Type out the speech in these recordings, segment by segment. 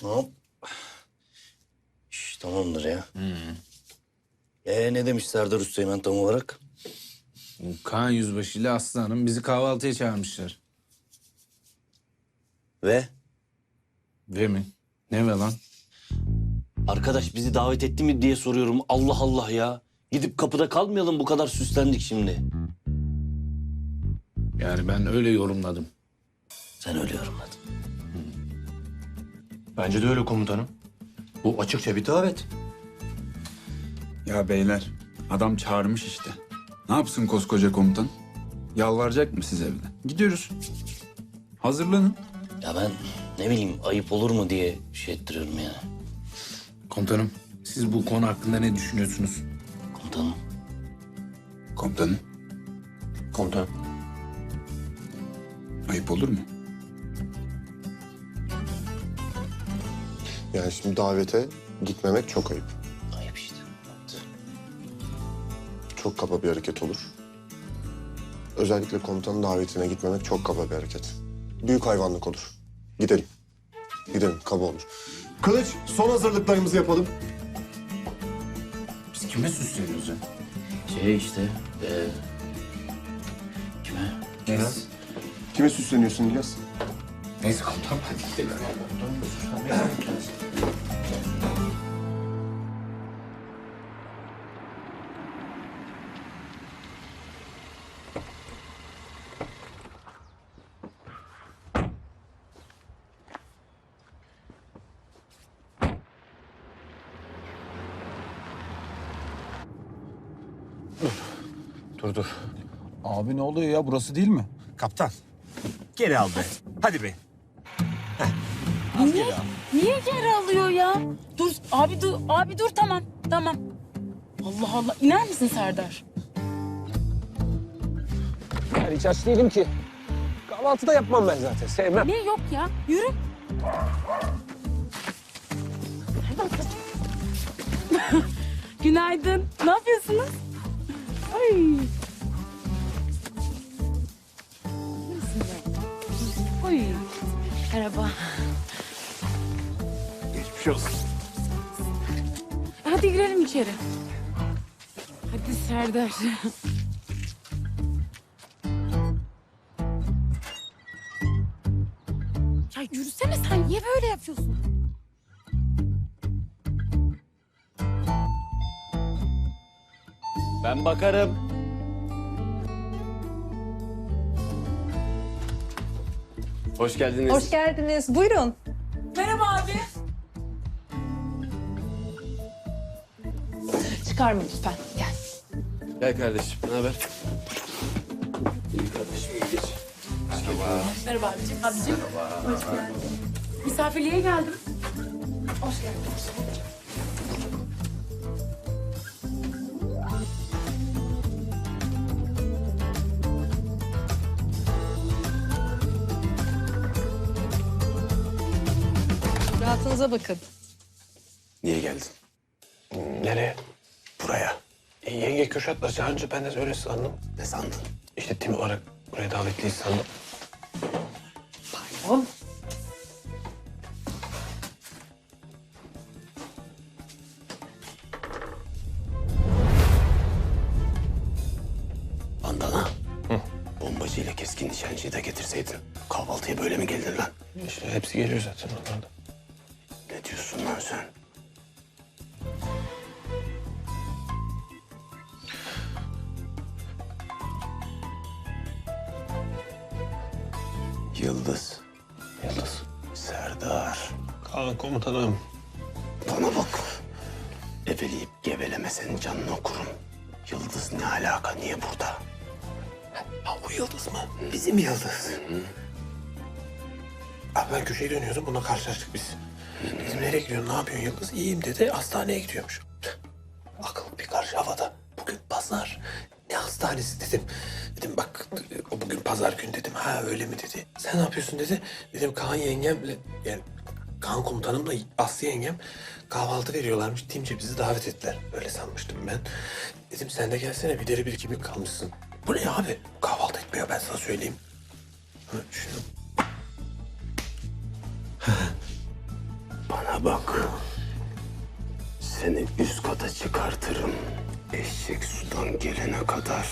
Hop. Tamamdır ya. Ne demiş Serdar Üsteğmen tam olarak? Kaan Yüzbaşı ile Aslı Hanım bizi kahvaltıya çağırmışlar. Ve? Ve mi? Ne ve lan? Arkadaş bizi davet etti mi diye soruyorum. Allah Allah ya. Gidip kapıda kalmayalım, bu kadar süslendik şimdi. Yani ben öyle yorumladım. Sen öyle yorumladın. Bence de öyle komutanım. Bu açıkça bir davet. Ya beyler, adam çağırmış işte. Ne yapsın koskoca komutan? Yalvaracak mı size evden? Gidiyoruz. Hazırlanın. Ya ben ne bileyim, ayıp olur mu diye şey ettiriyorum yani. Komutanım, siz bu konu hakkında ne düşünüyorsunuz? Komutanım. Komutanım, Komutanım. ayıp olur mu? Yani şimdi davete gitmemek çok ayıp. Ayıp işte. Evet. Çok kaba bir hareket olur. Özellikle komutanın davetine gitmemek çok kaba bir hareket. Büyük hayvanlık olur. Gidelim. Gidelim, kaba olur. Kılıç, son hazırlıklarımızı yapalım. Biz kime süsleniyoruz ya? Şey işte. Kime? Neyse. Kime süsleniyorsun İlyas? Neyse komutanım, hadi gidelim. Dur. Abi ne oluyor ya? Burası değil mi? Kaptan, geri al be. Hadi be. Niye geri alıyor ya? Dur abi dur tamam. Allah Allah, iner misin Serdar? Yani hiç aç değilim ki. Kahvaltı da yapmam ben zaten. Sevmem. Ne yok ya? Yürü. Günaydın. Ne yapıyorsunuz? Ay. Oy. Merhaba. Geçmiş olsun. Hadi girelim içeri. Hadi Serdar. Ya yürüsene sen. Niye böyle yapıyorsun? Ben bakarım. Hoş geldiniz. Hoş geldiniz. Buyurun. Merhaba abi. Çıkarma lütfen. Gel. Gel kardeşim. Ne haber? İyi kardeşim, iyi geç. Merhaba abicim. Hoş geldin. Misafirliğe geldim. Hoş geldin. Rahatınıza bakın. Niye geldin? Nereye? Buraya. Yenge Kürşat'la çağırınca ben de öyle sandım. Ne sandın? İşte tim olarak buraya davetliyiz sandım. Bandana. Bombacıyla keskin nişancıyı da getirseydin. Kahvaltıya böyle mi geldin lan? İşte hepsi geliyor zaten onlarda. Ne diyorsun lan sen? Yıldız. Yıldız. Serdar. Kaan komutanım. Bana bak. Eveleyip gevelemesen canını okurum. Yıldız ne alaka? Niye burada? Ha o Yıldız mı? Bizim Yıldız. Abi ben köşeye dönüyordum. Bununla karşılaştık biz. Dedim nereye gidiyorsun? Ne yapıyorsun Yıldız? İyiyim dedi. Hastaneye gidiyormuş. Akıl bir karşı havada. Bugün pazar. Ne hastanesi dedim. Dedim bak o bugün pazar günü dedim. Ha öyle mi dedi. Sen ne yapıyorsun dedi. Dedim Kaan yengemle yani Kaan komutanımla Aslı yengem kahvaltı veriyorlarmış. Timce bizi davet ettiler. Öyle sanmıştım ben. Dedim sen de gelsene bir deri bir kemik kalmışsın. Bu ne abi? Kahvaltı etmiyor ben sana söyleyeyim. Ha, şunu. Bana bak. Seni üst kata çıkartırım. Eşek sudan gelene kadar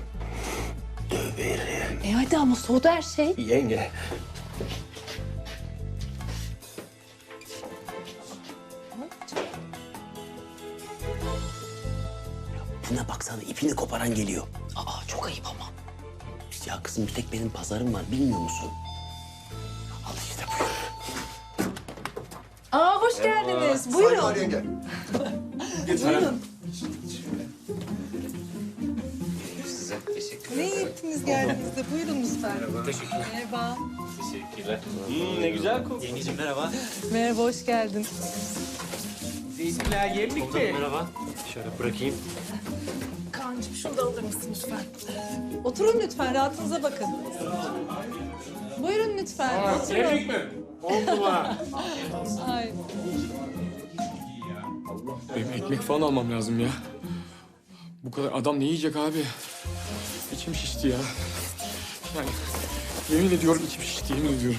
döverim. Hadi ama soğudu her şey. Yenge. Buna baksana, ipini koparan geliyor. Aa çok ayıp ama. Ya kızım, bir tek benim pazarım var, bilmiyor musun? Al işte buyur. Aa hoş geldiniz. Buyurun. yenge. Buyurun. Ne iyi ettiniz geldiğinizde. Buyurun lütfen. Merhaba. Ne güzel kokuyor. Yengeciğim merhaba. Merhaba, hoş geldin. Zeytinler yemlik mi? Merhaba. Şöyle bırakayım. Kaan'cığım şunu da alır mısın lütfen? Oturun lütfen, rahatınıza bakın. Buyurun lütfen, oturun. mi? Oldu mu? Ay. Benim ekmek falan almam lazım ya. Bu kadar adam ne yiyecek abi? İçim şişti ya. Yani yemin ediyorum içim şişti, yemin ediyorum.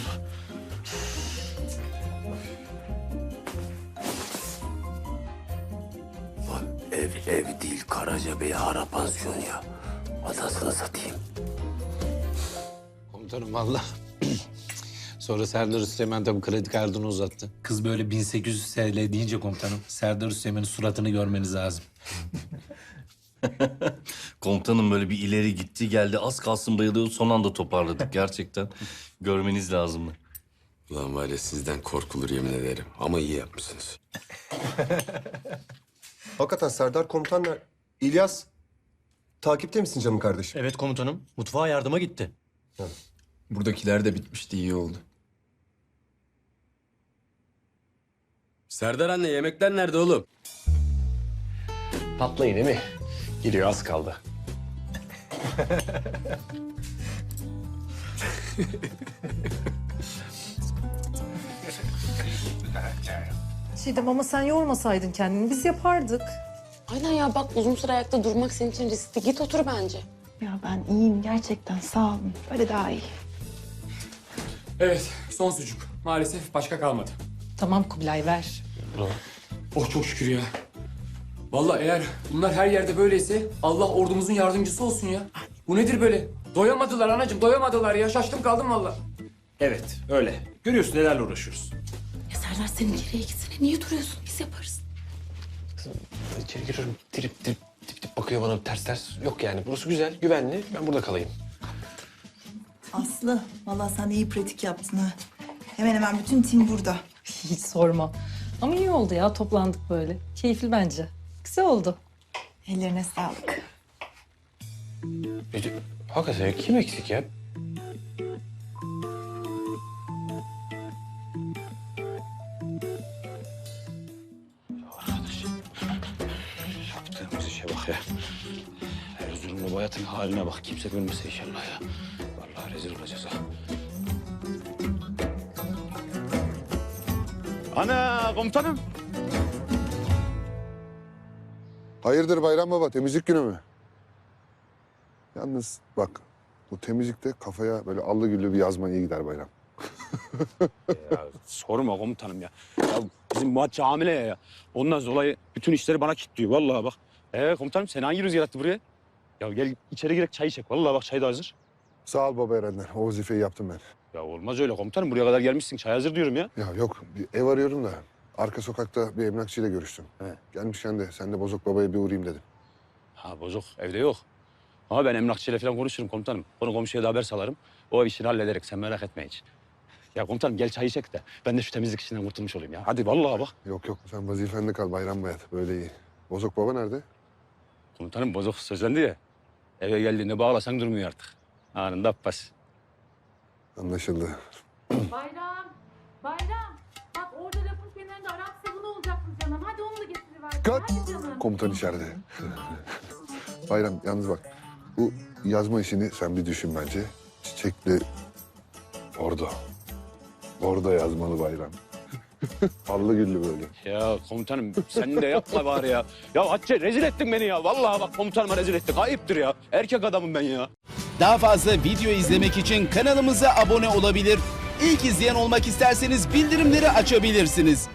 Lan ev değil, Karacabey Hara Pansiyon ya. Adasını satayım. Komutanım valla. Sonra Serdar Üsteğmen tabii kredi kartını uzattı. Kız böyle 1800 TL deyince komutanım Serdar Üsteğmen'in suratını görmeniz lazım. Komutanım böyle bir ileri gitti geldi. Az kalsın bayılıyordu. Son anda toparladık gerçekten. Görmeniz lazımdı. Ulan var ya, sizden korkulur yemin ederim. Ama iyi yapmışsınız. Hakikaten Serdar komutanlar. İlyas, takipte misin canım kardeşim? Evet komutanım. Mutfağa yardıma gitti. Buradakiler de bitmişti, iyi oldu. Serdar anne, yemekler nerede oğlum? Patlayın değil mi? Giriyor, az kaldı. Çiğdem ama sen yormasaydın kendini, biz yapardık. Aynen ya bak uzun süre ayakta durmak senin için riskli. Git otur bence. Ya ben iyiyim gerçekten, sağ olun. Böyle daha iyi. Evet, son sucuk. Maalesef başka kalmadı. Tamam Kubilay, ver. Oh çok şükür ya. Vallahi eğer bunlar her yerde böyleyse Allah ordumuzun yardımcısı olsun ya. Bu nedir böyle? Doyamadılar anacığım, doyamadılar ya. Şaştım kaldım vallahi. Evet öyle. Görüyorsun nelerle uğraşıyoruz. Ya Serdar sen içeriye gitsene. Niye duruyorsun? Biz yaparız. İçeri giriyorum. Dip dip bakıyor bana ters ters. Yok yani, burası güzel, güvenli. Ben burada kalayım. Aslı, vallahi sen iyi pratik yaptın ha. Hemen hemen bütün tim burada. Hiç sorma. Ama iyi oldu ya, toplandık böyle. Keyifli bence. Güzel oldu. Ellerine sağlık. Hakikaten kim eksik ya? Arkadaş. Yaptığımız işe bak ya. Erzurumlu bu hayatın haline bak. Kimse görmese inşallah ya. Vallahi rezil olacağız ha. Ana komutanım. Hayırdır Bayram Baba, temizlik günü mü? Yalnız bak, bu temizlikte kafaya böyle allı güllü bir yazma iyi gider Bayram. Ya sorma komutanım ya. Ya bizim Muhatçı hamile ya. Ondan dolayı bütün işleri bana kilitliyor. Vallahi bak. Komutanım sen hangi rüzgar attı buraya? Ya gel içeri girek çay içek. Vallahi bak çay da hazır. Sağ ol Baba Erenler, o vazifeyi yaptım ben. Ya olmaz öyle komutanım. Buraya kadar gelmişsin. Çay hazır diyorum ya. Ya yok, bir ev arıyorum da arka sokakta bir emlakçıyla görüştüm. He. Gelmişken de sen de Bozok Baba'ya bir uğrayayım dedim. Ha bozuk evde yok. Ama ben emlakçıyla falan konuşurum komutanım. Onu komşuya da haber salarım. O ev işini hallederek sen merak etme hiç. Ya komutanım gel çay içek de ben de şu temizlik işinden kurtulmuş olayım ya. Hadi vallahi bak. Yok sen vazifende kal Bayram Bayat, böyle iyi. Bozok Baba nerede? Komutanım bozuk sözlendi ya. Eve geldiğinde bağlasan durmuyor artık. Anında Abbas. Anlaşıldı. Bayram. Bak orada lafın kenarında Arap sabunu olacakmış canım. Hadi onu da getiriver. Kat! Hadi canım. Komutan içeride. Bayram yalnız bak, bu yazma işini sen bir düşün bence. Çiçekli orada. Orada yazmalı Bayram. Allı güllü böyle. Ya komutanım sen de yapma bari ya. Ya Hatice rezil ettin beni ya. Vallahi bak komutanıma rezil ettin. Ayıptır ya. Erkek adamım ben ya. Daha fazla video izlemek için kanalımıza abone olabilir. İlk izleyen olmak isterseniz bildirimleri açabilirsiniz.